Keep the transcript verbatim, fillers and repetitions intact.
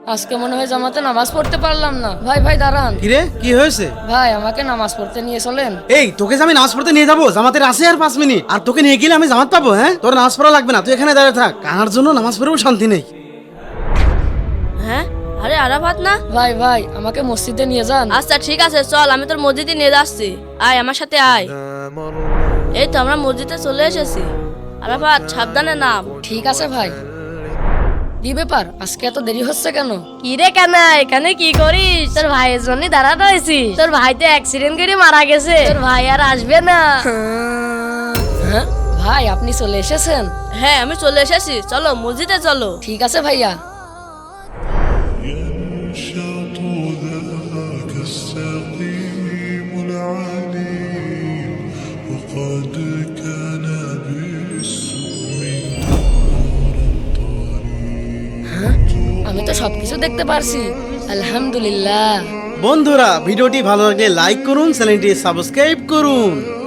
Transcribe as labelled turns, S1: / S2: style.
S1: আজকে মনে হয় জামাতে নামাজ পড়তে পারলাম না। ভাই ভাই দাঁড়ান।
S2: কিরে কি হয়েছে?
S1: ভাই আমাকে নামাজ পড়তে নিয়ে চলেন।
S2: এই তোকে যে আমি নামাজ পড়তে নিয়ে যাবো, জামাতের আছে আর পাঁচ মিনিট, আর তোকে নিয়ে গেলে আমি জামাত পাবো? হ্যাঁ, তোর নামাজ পড়া লাগবে না, তুই এখানে দাঁড়িয়ে থাক। কার জন্য নামাজ পড়েও শান্তি নেই।
S3: হ্যাঁ, আরে আরাফাত না?
S1: ভাই ভাই আমাকে মসজিদে নিয়ে যান।
S3: আচ্ছা ঠিক আছে, চল আমি তোর মসজিদে নিয়ে যাচ্ছি। আয় আমার সাথে আয়। এই তো আমরা মসজিদে চলে এসেছি। আরাফাত সাবধানে নাম।
S1: ঠিক আছে ভাই। কি ব্যাপার, আজকে এত দেরি হচ্ছে কেন?
S4: কি রে কানা, এখানে কি করিস? তোর ভাইয়ের জন্য দাঁড়া রয়েছি। তোর ভাই তো অ্যাক্সিডেন্ট করে মারা গেছে, তোর ভাই আর আসবে না।
S1: হ্যাঁ ভাই আপনি চলে এসেছেন?
S3: হ্যাঁ আমি চলে এসেছি, চলো মসজিদে চলো।
S1: ঠিক আছে ভাইয়া।
S5: ينشط ذاك السقيم العليم وقد كان بالسم
S1: আমি তো সবকিছু দেখতে পারছি, আলহামদুলিল্লাহ।
S2: বন্ধুরা, ভিডিওটি ভালো লাগলে লাইক করুন, চ্যানেলটি সাবস্ক্রাইব করুন।